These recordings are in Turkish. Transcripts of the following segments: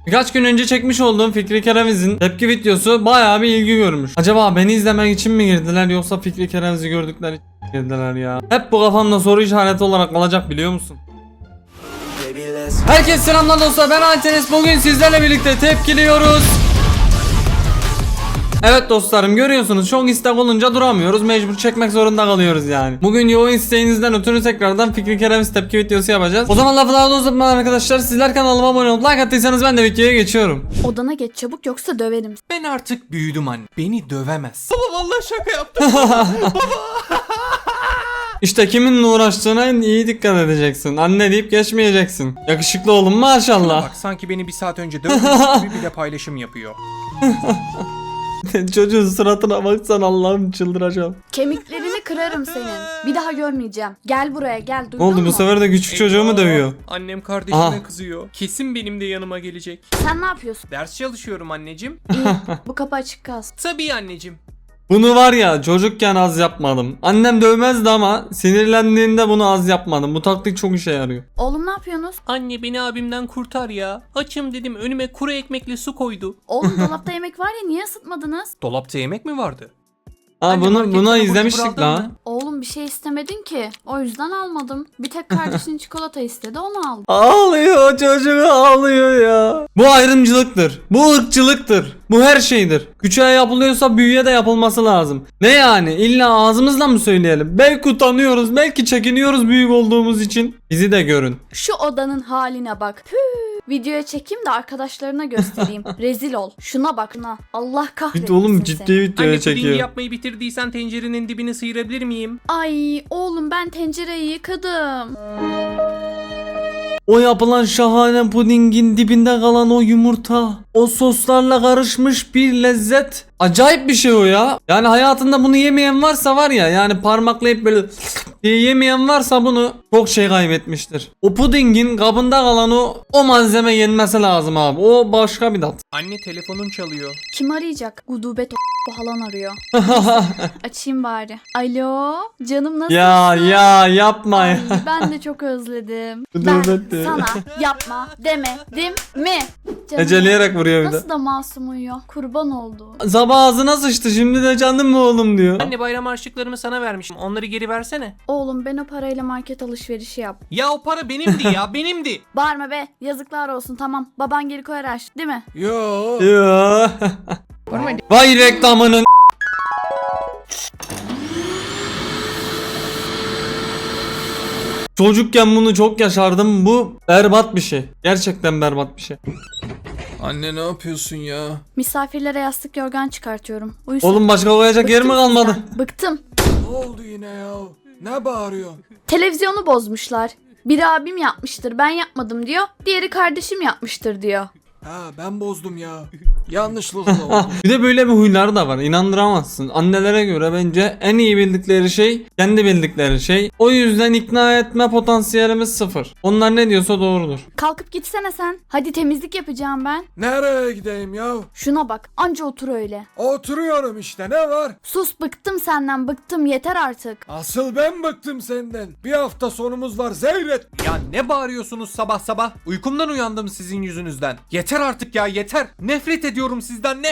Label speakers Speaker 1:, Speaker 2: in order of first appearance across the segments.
Speaker 1: Birkaç gün önce çekmiş olduğum Fikri Kereviz'in tepki videosu bayağı bir ilgi görmüş. Acaba beni izlemek için mi girdiler yoksa Fikri Kereviz'i gördükleri için mi girdiler ya? Hep bu kafamda soru işareti olarak kalacak, biliyor musun? Herkese selamlar dostlar, ben Altenes. Bugün sizlerle birlikte tepkiliyoruz. Evet dostlarım, görüyorsunuz çok istek olunca duramıyoruz, mecbur çekmek zorunda kalıyoruz yani. Bugün yoğun isteğinizden ötürü tekrardan Fikri Kereviz tepki videosu yapacağız. O zaman lafı daha da uzatmadan arkadaşlar, sizler kanalıma abone olup like attıysanız ben de videoya geçiyorum.
Speaker 2: Odana geç çabuk yoksa döverim.
Speaker 3: Ben artık büyüdüm anne. Beni dövemez. Baba vallahi şaka yaptım.
Speaker 1: İşte kiminle uğraştığına iyi dikkat edeceksin. Anne deyip geçmeyeceksin. Yakışıklı oğlum maşallah.
Speaker 3: Bak sanki beni bir saat önce dövmüş gibi bir de paylaşım yapıyor.
Speaker 1: Çocuğun suratına baksan Allah'ım, çıldıracağım.
Speaker 2: Kemiklerini kırarım senin. Bir daha görmeyeceğim. Gel buraya gel, duydun
Speaker 1: Ne oldu
Speaker 2: mu?
Speaker 1: bu sefer de küçük çocuğu mu dövüyor?
Speaker 3: Annem kardeşime
Speaker 1: Aha.
Speaker 3: kızıyor. Kesin benim de yanıma gelecek.
Speaker 2: Sen ne yapıyorsun?
Speaker 3: Ders çalışıyorum anneciğim.
Speaker 2: İyi, bu kapı açık kalsın.
Speaker 3: Tabii anneciğim.
Speaker 1: Bunu var ya, çocukken az yapmadım. Annem dövmezdi ama sinirlendiğinde bunu az yapmadım. Bu taktik çok işe yarıyor.
Speaker 2: Oğlum ne yapıyorsunuz?
Speaker 3: Anne beni abimden kurtar ya. Açım dedim, önüme kuru ekmekle su koydu.
Speaker 2: Oğlum dolapta yemek var ya, niye ısıtmadınız?
Speaker 3: Dolapta yemek mi vardı?
Speaker 1: Ha
Speaker 3: Anne,
Speaker 1: buna
Speaker 3: marketten abur
Speaker 1: izlemiştik
Speaker 3: cubur aldın
Speaker 1: la.
Speaker 3: mı?
Speaker 2: Oğlum bir şey istemedin ki. O yüzden almadım. Bir tek kardeşin çikolata istedi, onu aldım.
Speaker 1: Ağlıyor çocuğu, ağlıyor ya. Bu ayrımcılıktır. Bu ırkçılıktır. Bu her şeydir. Küçüğe yapılıyorsa büyüğe de yapılması lazım. Ne yani? İlla ağzımızla mı söyleyelim? Belki utanıyoruz, belki çekiniyoruz büyük olduğumuz için. Bizi de görün.
Speaker 2: Şu odanın haline bak. Püh. Videoya çekeyim de arkadaşlarına göstereyim. Rezil ol. Şuna bak şuna. Allah kahretsin
Speaker 1: Oğlum ciddi
Speaker 2: seni.
Speaker 1: videoya
Speaker 3: Anne pudingi
Speaker 1: çekiyor.
Speaker 3: yapmayı bitirdiysen tencerenin dibini sıyırabilir miyim?
Speaker 2: Ay oğlum, ben tencereyi yıkadım.
Speaker 1: O yapılan şahane pudingin dibinde kalan o yumurta, o soslarla karışmış bir lezzet. Acayip bir şey o ya. Yani hayatında bunu yemeyen varsa var ya, yani parmaklayıp böyle diye yemeyen varsa bunu çok şey kaybetmiştir. O pudingin kabında kalan o malzeme yenmesi lazım abi. O başka bir tat.
Speaker 3: Anne telefonun çalıyor.
Speaker 2: Kim arayacak? Gudubet o falan arıyor. Açayım bari. Alo, canım nasılsın?
Speaker 1: ya yapma ya.
Speaker 2: Ay, ben de çok özledim.
Speaker 1: Gudubet diyor.
Speaker 2: Ben sana yapma demedim mi? Canım,
Speaker 1: Eceleyerek vuruyor bir de.
Speaker 2: nasıl da masum uyuyor. Kurban oldu.
Speaker 1: Sabah ağzına sıçtı, şimdi de canım mı oğlum diyor.
Speaker 3: Anne bayram harçlıklarımı sana vermişim. Onları geri versene.
Speaker 2: Oğlum ben o parayla market alışverişi yap.
Speaker 3: Ya o para benimdi ya, benimdi.
Speaker 2: Bağırma be, yazıklar olsun, tamam. Baban geri koyar aç, değil mi?
Speaker 3: Yo.
Speaker 1: Ya. Vay reklamının. Çocukken bunu çok yaşardım. Bu berbat bir şey. Gerçekten berbat bir şey.
Speaker 4: Anne ne yapıyorsun ya?
Speaker 2: Misafirlere yastık yorgan çıkartıyorum. Uyusun.
Speaker 1: Oğlum başka koyacak yer mi
Speaker 2: Bıktım
Speaker 1: kalmadı?
Speaker 2: sizden, bıktım.
Speaker 4: Ne oldu yine ya? Ne bağırıyorsun?
Speaker 2: Televizyonu bozmuşlar. Biri abim yapmıştır, ben yapmadım diyor. Diğeri kardeşim yapmıştır diyor.
Speaker 4: Ha ben bozdum ya. Yanlışlıkla oldu.
Speaker 1: Bir de böyle bir huyları da var. İnandıramazsın. Annelere göre bence en iyi bildikleri şey kendi bildikleri şey. O yüzden ikna etme potansiyelimiz sıfır. Onlar ne diyorsa doğrudur.
Speaker 2: Kalkıp gitsene sen. Hadi temizlik yapacağım ben.
Speaker 4: Nereye gideyim ya?
Speaker 2: Şuna bak, anca otur öyle.
Speaker 4: Oturuyorum işte, ne var?
Speaker 2: Sus, bıktım senden, bıktım, yeter artık.
Speaker 4: Asıl ben bıktım senden. Bir hafta sonumuz var, Zeyret.
Speaker 3: Ya ne bağırıyorsunuz sabah sabah? Uykumdan uyandım sizin yüzünüzden. Yeter artık ya, yeter. Nefret ediyorum sizden,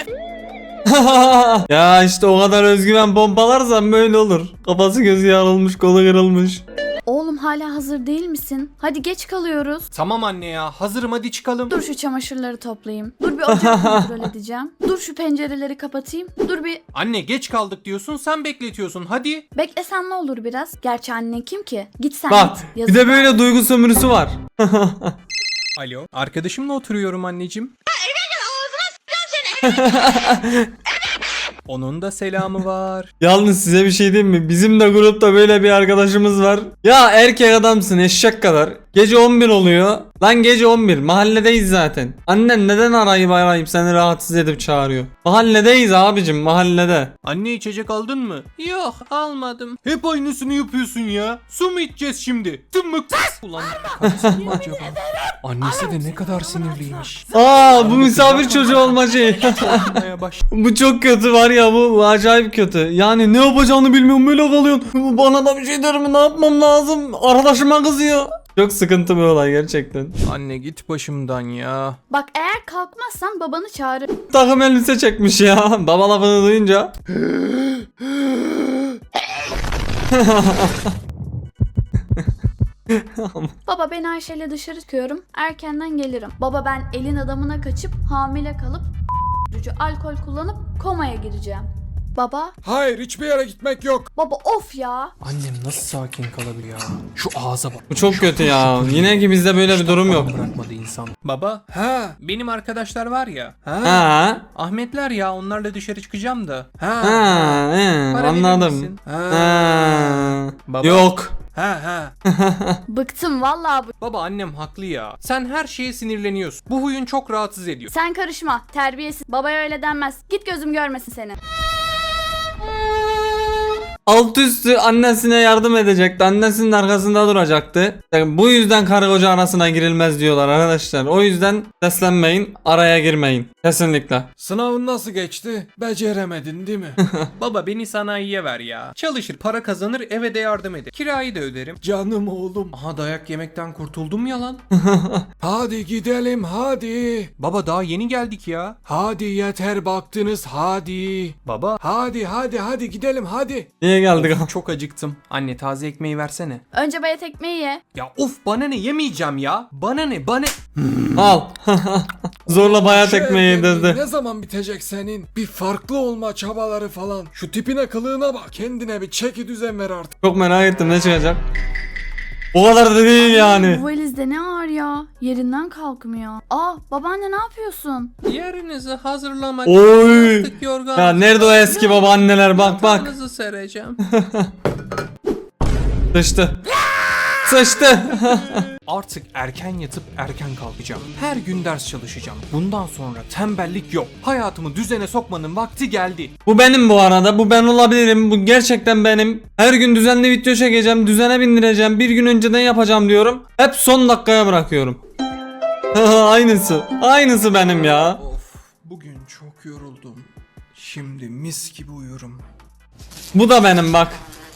Speaker 1: Ya işte o kadar özgüven pompalarsan böyle olur. Kafası gözü yarılmış, kolu kırılmış.
Speaker 2: Oğlum hala hazır değil misin? Hadi geç kalıyoruz.
Speaker 3: Tamam anne ya, hazırım, hadi çıkalım.
Speaker 2: Dur şu çamaşırları toplayayım. Dur bir ocağı kontrol edeceğim. Dur şu pencereleri kapatayım. Dur bir
Speaker 3: Anne geç kaldık diyorsun, sen bekletiyorsun, hadi.
Speaker 2: beklesen ne olur biraz. Gerçi annen kim ki? Git sen
Speaker 1: Bak
Speaker 2: git.
Speaker 1: bir
Speaker 2: Yazık.
Speaker 1: de böyle duygu sömürüsü var.
Speaker 3: Alo. Arkadaşımla oturuyorum anneciğim. Onun da selamı var.
Speaker 1: Yalnız size bir şey diyeyim mi? Bizim de grupta böyle bir arkadaşımız var. Ya erkek adamsın eşek kadar. Gece 11 oluyor. Lan gece 11. Mahalledeyiz zaten. Annen neden arayıp seni rahatsız edip çağırıyor? Mahalledeyiz abicim, mahallede.
Speaker 3: Anne içecek aldın mı? Yok almadım. Hep aynısını yapıyorsun ya. Su mu içeceğiz şimdi? Tımık. Ulan karısı mı acaba? Annesi de ne kadar sinirliymiş.
Speaker 1: Aa bu misafir çocuğu olma şeyi.
Speaker 3: Yapmaya baş.
Speaker 1: Bu çok kötü var ya, bu acayip kötü. Yani ne yapacağını bilmiyorum, böyle kalıyorsun. Bana da bir şey der mi, ne yapmam lazım? Arkadaşıma kızıyor. Çok sıkıntı bir olay gerçekten.
Speaker 3: Anne git başımdan ya.
Speaker 2: Bak eğer kalkmazsan babanı çağırır.
Speaker 1: Takım elbise çekmiş ya. Baba lafını duyunca.
Speaker 2: Baba ben Ayşe'yle dışarı çıkıyorum. Erkenden gelirim. Baba ben elin adamına kaçıp hamile kalıp alkol kullanıp komaya gireceğim. Baba.
Speaker 4: Hayır, hiçbir yere gitmek yok.
Speaker 2: Baba of ya.
Speaker 3: Annem nasıl sakin kalabiliyor ya? Şu ağza bak.
Speaker 1: Bu çok kötü ya. Yine ki bizde böyle bir durum yok.
Speaker 3: Bırakmadı insan. Baba,
Speaker 4: Ha,
Speaker 3: benim arkadaşlar var ya.
Speaker 1: Ha.
Speaker 3: Ahmetler ya, onlarla dışarı çıkacağım da.
Speaker 4: ha,
Speaker 1: Ha.
Speaker 3: Para verir
Speaker 1: Anladım.
Speaker 3: misin?
Speaker 1: Ha.
Speaker 3: Baba.
Speaker 1: Yok.
Speaker 4: ha.
Speaker 2: Bıktım vallahi bu.
Speaker 3: Baba annem haklı ya. Sen her şeye sinirleniyorsun. Bu huyun çok rahatsız ediyor.
Speaker 2: Sen karışma. Terbiyesiz. Babaya öyle denmez. Git gözüm görmesin seni.
Speaker 1: Alt üstü annesine yardım edecekti. Annesinin arkasında duracaktı. Yani bu yüzden karı koca arasına girilmez diyorlar arkadaşlar. O yüzden seslenmeyin, araya girmeyin. Kesinlikle.
Speaker 4: Sınavın nasıl geçti? Beceremedin değil mi?
Speaker 3: Baba beni sanayiye ver ya. Çalışır, para kazanır, eve de yardım eder. Kirayı da öderim.
Speaker 4: Canım oğlum.
Speaker 3: Aha dayak yemekten kurtuldum ya lan.
Speaker 4: Hadi gidelim hadi.
Speaker 3: Baba daha yeni geldik ya.
Speaker 4: Hadi yeter baktınız hadi.
Speaker 3: Baba.
Speaker 4: Hadi gidelim hadi.
Speaker 1: Niye geldik?
Speaker 3: Çok acıktım. Anne taze ekmeği versene.
Speaker 2: Önce bayat ekmeği ye.
Speaker 3: Ya of bana ne, yemeyeceğim ya. Bana ne.
Speaker 1: Al. Zorla bayat
Speaker 4: Şu
Speaker 1: ekmeği
Speaker 4: evliliğin
Speaker 1: yedirdi.
Speaker 4: ne zaman bitecek senin? Bir farklı olma çabaları falan. Şu tipine kılığına bak. Kendine bir çeki düzen ver artık.
Speaker 1: Çok merak ettim ne çıkacak. O kadar da değil yani.
Speaker 2: Bu valizde ne ağır ya. Yerinden kalkmıyor. Aa babaanne ne yapıyorsun?
Speaker 3: Yerinizi hazırlamak
Speaker 1: Oy.
Speaker 3: yastık, yorgan.
Speaker 1: Ya nerede o eski babaanneler, bak bak.
Speaker 3: Yatağınızı sereceğim.
Speaker 1: Sıçtı. Sıçtı.
Speaker 3: Artık erken yatıp erken kalkacağım. Her gün ders çalışacağım. Bundan sonra tembellik yok. Hayatımı düzene sokmanın vakti geldi.
Speaker 1: Bu benim bu arada. Bu ben olabilirim. Bu gerçekten benim. Her gün düzenli video çekeceğim. Düzene bindireceğim. Bir gün önceden yapacağım diyorum. Hep son dakikaya bırakıyorum. Aynısı. Aynısı benim ya.
Speaker 4: Of, bugün çok yoruldum. Şimdi mis gibi uyurum.
Speaker 1: Bu da benim bak.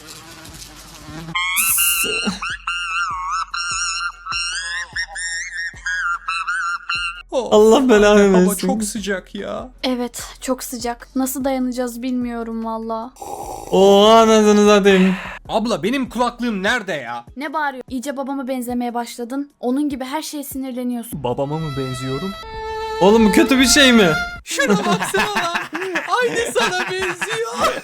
Speaker 1: Allah belanı
Speaker 3: Baba
Speaker 1: versin.
Speaker 3: çok sıcak ya.
Speaker 2: Evet çok sıcak. Nasıl dayanacağız bilmiyorum valla.
Speaker 1: Oha anasını satayım.
Speaker 3: Abla benim kulaklığım nerede ya?
Speaker 2: Ne bağırıyor? İyice babama benzemeye başladın. Onun gibi her şeye sinirleniyorsun.
Speaker 3: Babama mı benziyorum?
Speaker 1: Oğlum bu kötü bir şey mi?
Speaker 3: Şuna baksana lan. Aynı sana benziyor.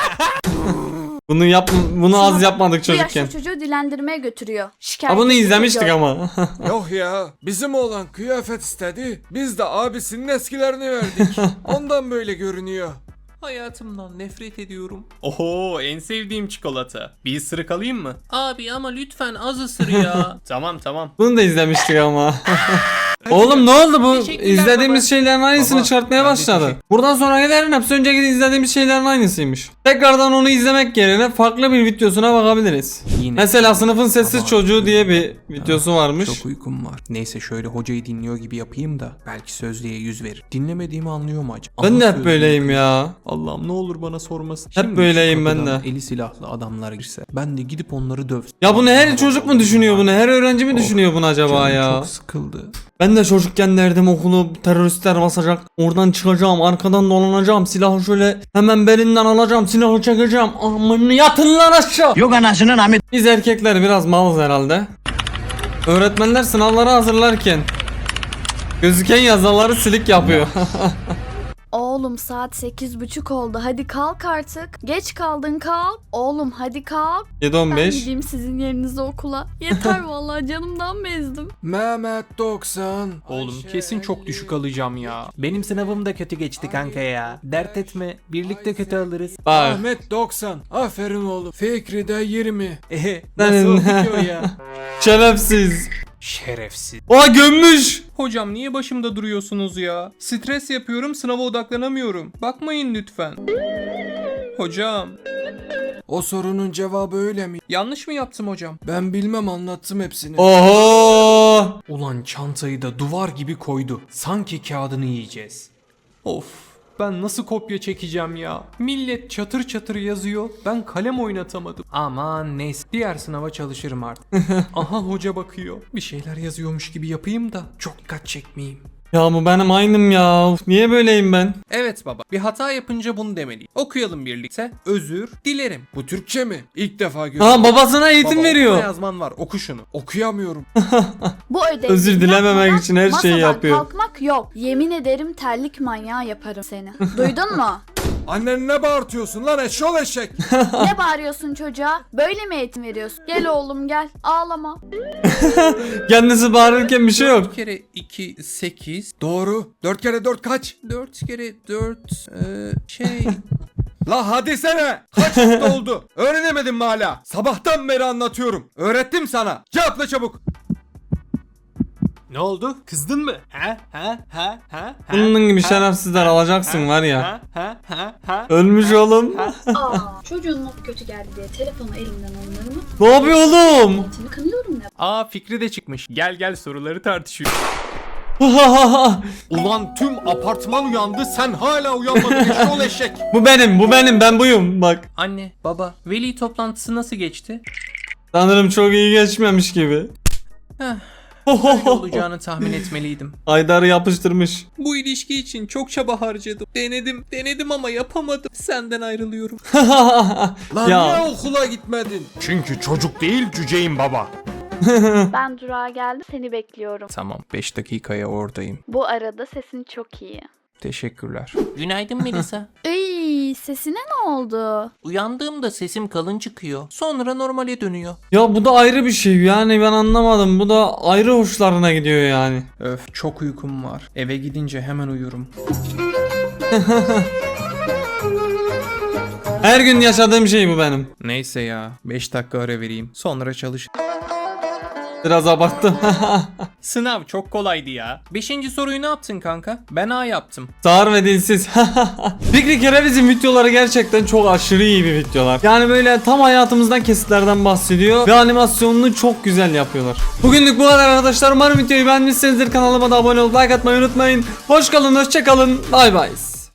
Speaker 1: Bunu az yapmadık
Speaker 2: Bu
Speaker 1: çocukken.
Speaker 2: yaşlı çocuğu dilendirmeye götürüyor. Şikayet
Speaker 1: Ha bunu
Speaker 2: ediyor.
Speaker 1: izlemiştik ama.
Speaker 4: Yok ya, bizim oğlan kıyafet istedi. Biz de abisinin eskilerini verdik. Ondan böyle görünüyor.
Speaker 3: Hayatımdan nefret ediyorum. Oho en sevdiğim çikolata. Bir ısırık alayım mı? Abi ama lütfen az ısır ya. Tamam.
Speaker 1: Bunu da izlemiştik ama. Oğlum ne oldu bu?
Speaker 3: Teşekkürler
Speaker 1: İzlediğimiz
Speaker 3: baba.
Speaker 1: şeylerin aynısını
Speaker 3: Baba,
Speaker 1: çıkartmaya
Speaker 3: ben de
Speaker 1: başladı.
Speaker 3: teşekkür-
Speaker 1: Buradan sonrakilerin hepsi önceki izlediğimiz şeylerin aynısıymış. Tekrardan onu izlemek yerine farklı bir videosuna bakabiliriz.
Speaker 3: Yine.
Speaker 1: Mesela sınıfın sessiz
Speaker 3: Tamam.
Speaker 1: çocuğu diye bir videosu varmış.
Speaker 3: Çok uykum var. Neyse şöyle hocayı dinliyor gibi yapayım da belki sözlüğe yüz verir. Dinlemediğimi anlıyor mu acaba?
Speaker 1: Ben de
Speaker 3: Ama
Speaker 1: hep böyleyim ya.
Speaker 3: Allah'ım ne olur bana sormasın.
Speaker 1: Hep böyleyim ben de.
Speaker 3: Eli silahlı adamlar girse ben de gidip onları dövsün.
Speaker 1: Ya bunu her çocuk mu düşünüyor bunu? Her öğrenci mi düşünüyor bunu acaba
Speaker 3: Canım
Speaker 1: ya?
Speaker 3: çok sıkıldı.
Speaker 1: Ben de çocukken derdim okulu teröristler basacak. Oradan çıkacağım, arkadan dolanacağım. Silahı şöyle hemen belinden alacağım. Silahı çekeceğim. Amını yatın lan aşağı.
Speaker 5: Yok anasının Ahmet.
Speaker 1: Biz erkekler biraz malız herhalde. Öğretmenler sınavları hazırlarken gözüken yazıları silik yapıyor.
Speaker 2: Oğlum saat 8:30 oldu. Hadi kalk artık. Geç kaldın kalk. Oğlum hadi kalk. Ben
Speaker 1: 7-15.
Speaker 2: gideyim sizin yerinize okula. Yeter vallahi canımdan bezdim.
Speaker 4: Mehmet 90.
Speaker 3: Oğlum kesin çok düşük alacağım ya. Benim sınavım da kötü geçti kanka ya. Dert etme. Birlikte kötü alırız.
Speaker 1: Bak.
Speaker 4: Ahmet 90. Aferin oğlum. Fikri de 20.
Speaker 1: Senin-
Speaker 4: Nasıl oldu o ya?
Speaker 1: Şerefsiz.
Speaker 3: Şerefsiz.
Speaker 1: Oha gömmüş.
Speaker 3: Hocam niye başımda duruyorsunuz ya? Stres yapıyorum, sınava odaklanamıyorum. Bakmayın lütfen. Hocam,
Speaker 4: O sorunun cevabı öyle mi?
Speaker 3: yanlış mı yaptım hocam?
Speaker 4: Ben bilmem, anlattım hepsini.
Speaker 1: Oho.
Speaker 3: Ulan çantayı da duvar gibi koydu. Sanki kağıdını yiyeceğiz. Of. Ben nasıl kopya çekeceğim ya? Millet çatır çatır yazıyor. Ben kalem oynatamadım. Aman neyse. Diğer sınava çalışırım artık. Aha hoca bakıyor. Bir şeyler yazıyormuş gibi yapayım da çok dikkat çekmeyeyim.
Speaker 1: Ya bu benim aynım ya. Uf, niye böyleyim ben?
Speaker 3: Evet baba. Bir hata yapınca bunu demeliyim. Okuyalım birlikte. Özür dilerim.
Speaker 4: Bu Türkçe mi? İlk defa görüyorum.
Speaker 1: Ha, babasına eğitim
Speaker 3: Baba,
Speaker 1: veriyor.
Speaker 3: okuma yazman var. Oku şunu.
Speaker 4: Okuyamıyorum.
Speaker 2: Bu ödevi
Speaker 1: Özür dilememek
Speaker 2: yapmadan
Speaker 1: için her şeyi
Speaker 2: masadan
Speaker 1: yapıyor.
Speaker 2: kalkmak yok. Yemin ederim terlik manyağı yaparım seni. Duydun mu?
Speaker 4: Annen ne bağırtıyorsun lan eşşol eşek?
Speaker 2: Ne bağırıyorsun çocuğa? Böyle mi eğitim veriyorsun? Gel oğlum gel. Ağlama.
Speaker 1: Kendisi bağırırken bir şey yok.
Speaker 3: 4 kere 2 8.
Speaker 4: Doğru. 4 kere 4 kaç?
Speaker 3: 4 kere 4
Speaker 4: La hadi sene. Kaç hafta oldu? Öğrenemedin mi hala? Sabahtan beri anlatıyorum. Öğrettim sana. Cevapla çabuk.
Speaker 3: Ne oldu? Kızdın mı? Ha?
Speaker 1: Bunun gibi şerefsizler alacaksın var ya.
Speaker 3: Ha?
Speaker 1: Ölmüş oğlum.
Speaker 2: Aa, çocuğun not kötü geldi diye telefonu elimden alınır mı?
Speaker 1: Ne yapıyor oğlum?
Speaker 2: Niyetini kınıyorum ne?
Speaker 3: Aa Fikri de çıkmış. Gel soruları tartışıyor. Ulan tüm apartman uyandı, sen hala uyanmadın eşşol eşek.
Speaker 1: Bu benim ben buyum bak.
Speaker 3: Anne, baba, veli toplantısı nasıl geçti?
Speaker 1: Sanırım çok iyi geçmemiş gibi.
Speaker 3: Böyle olacağını tahmin etmeliydim.
Speaker 1: Aydar'ı yapıştırmış.
Speaker 3: Bu ilişki için çok çaba harcadım. Denedim ama yapamadım. Senden ayrılıyorum.
Speaker 4: Lan
Speaker 1: Ya.
Speaker 4: niye okula gitmedin?
Speaker 3: Çünkü çocuk değil cüceyim baba.
Speaker 2: Ben durağa geldim seni bekliyorum.
Speaker 3: Tamam, 5 dakikaya oradayım.
Speaker 2: Bu arada sesin çok iyi.
Speaker 3: Teşekkürler. Günaydın Melisa.
Speaker 2: Iy, sesine ne oldu?
Speaker 3: Uyandığımda sesim kalın çıkıyor. Sonra normale dönüyor.
Speaker 1: Ya bu da ayrı bir şey yani ben anlamadım. Bu da ayrı hoşlarına gidiyor yani.
Speaker 3: Öf, çok uykum var. Eve gidince hemen uyurum.
Speaker 1: Her gün yaşadığım şey bu benim.
Speaker 3: Neyse ya, 5 dakika ara vereyim. Sonra çalış.
Speaker 1: Biraz abarttım.
Speaker 3: Sınav çok kolaydı ya. 5. soruyu ne yaptın kanka? Ben A yaptım.
Speaker 1: Sağır ve dilsiz. Fikri Kereviz'in videoları gerçekten çok aşırı iyi bir videolar. Yani böyle tam hayatımızdan kesitlerden bahsediyor ve animasyonunu çok güzel yapıyorlar. Bugünlük bu kadar arkadaşlar. Umarım videoyu beğenmişsinizdir. Kanalıma da abone olup like atmayı unutmayın. Hoş kalın, hoşça kalın. Bay bay.